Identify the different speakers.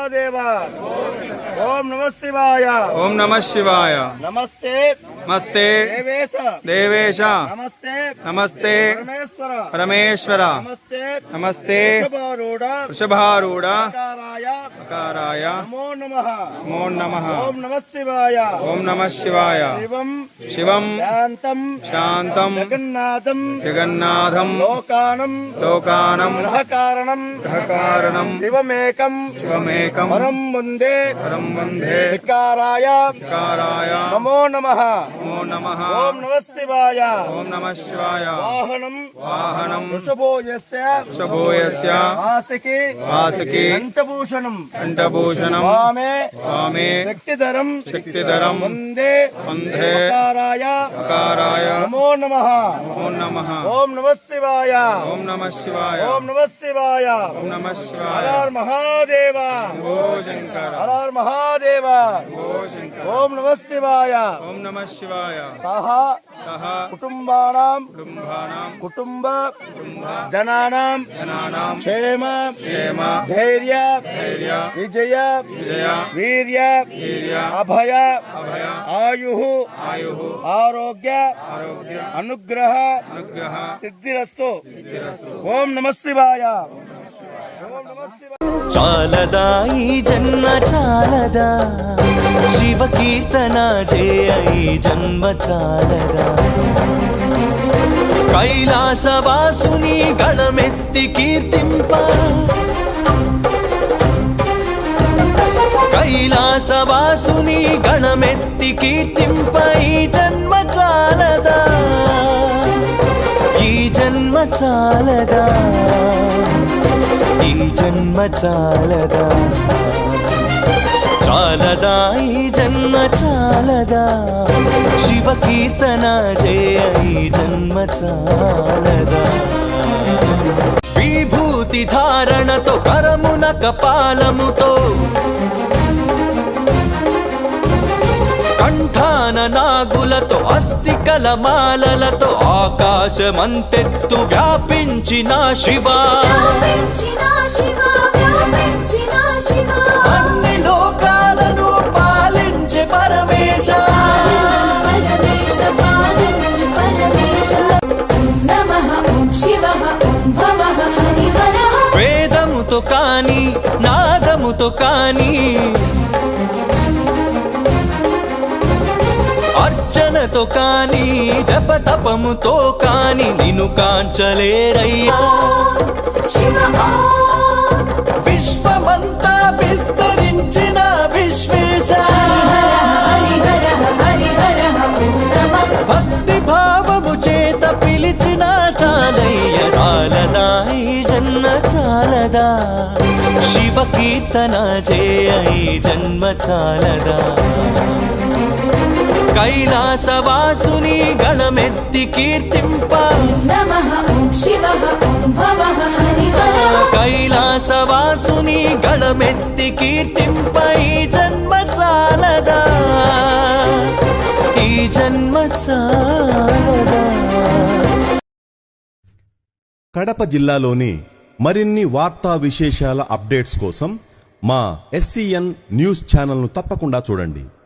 Speaker 1: महादेव। ओम नमः शिवाय।
Speaker 2: ओम नमः शिवाय।
Speaker 1: नमस्ते
Speaker 2: नमस्ते
Speaker 1: देवेश
Speaker 2: देवेश।
Speaker 1: नमस्ते
Speaker 2: नमस्ते
Speaker 1: परमेश्वर
Speaker 2: परमेश्वर।
Speaker 1: नमस्ते
Speaker 2: नमस्ते
Speaker 1: वृषभारूढ़
Speaker 2: अकाराय
Speaker 1: नमो नमः।
Speaker 2: नमो नमः।
Speaker 1: ओम नमः शिवाय।
Speaker 2: ओम नमः शिवाय।
Speaker 1: शिवम
Speaker 2: शिवम
Speaker 1: शांतम
Speaker 2: शांतम
Speaker 1: जगन्नाथम
Speaker 2: जगन्नाथम
Speaker 1: लोकानम
Speaker 2: ग्रहकारणम
Speaker 1: शिवमेकम परम वंदे विकाराय नमो नमः।
Speaker 2: नमो नमः।
Speaker 1: ओम नमः शिवाय।
Speaker 2: ओम नमः शिवाय।
Speaker 1: वाहनम वृषभो
Speaker 2: वृषभोयस्य वासकी
Speaker 1: कंठभूषणम
Speaker 2: वामे
Speaker 1: शक्तिधरम वंदे
Speaker 2: अकाराय
Speaker 1: नमो नमः। ओम नमः शिवाय।
Speaker 2: ओम नमः शिवाय।
Speaker 1: ओम नमः शिवाय।
Speaker 2: ओम नमः शिवाय।
Speaker 1: हर हर महादेव।
Speaker 2: शंकर।
Speaker 1: हर हर महादेव। ओम नमः शिवाय।
Speaker 2: ओम नमः शिवाय।
Speaker 1: सह कुटुंब जनानां क्षेम धैर्य विजय वीर्य अभय आयुः आरोग्य अनुग्रह सिद्धिरस्तु। ओम नमः शिवाय।
Speaker 3: చాలదా ఈ జన్మ చాలదా శివ కీర్తన చేయ ఈ జన్మ చాలదా కైలాసవాసుని గళమెత్తి కీర్తింప కైలాసవాసుని గళమెత్తి కీర్తింప ఈ జన్మ చాలదా ఈ జన్మ చాలదా ఈ జన్మ చాలదా చాలదా ఈ జన్మ చాలదా శివ కీర్తన చేయ ఈ జన్మ చాలదా విభూతి ధారణతో కరమున కపాలముతో కంఠాన నాగులతో అస్థికల మాలలతో ఆకాశమంతెత్తు వ్యాపించిన శివా అన్ని లోకాలను పాలించే పరమేశ వేదముతో కాని నాదముతో కాని అర్చనతో కాని జపతపముతో కాని నిన్ను కాంచలేరయ్యా విశ్వమంతా విస్తరించిన విశ్వేశ భక్తి భావము చేత పిలిచిన చాలయ్య చాలదా ఈ జన్మ చాలదా శివ కీర్తన చేయ ఈ జన్మ చాలదా కైలాసవాసుని గళమెత్తి కీర్తింప కైలాసవాసుని గళమెత్తి కీర్తింప ఈ జన్మ చాలదా ఈ జన్మ చాలదా.
Speaker 4: కడప జిల్లాలోని మరిన్ని వార్తా విశేషాల అప్డేట్స్ కోసం మా SCN న్యూస్ ఛానల్ను తప్పకుండా చూడండి.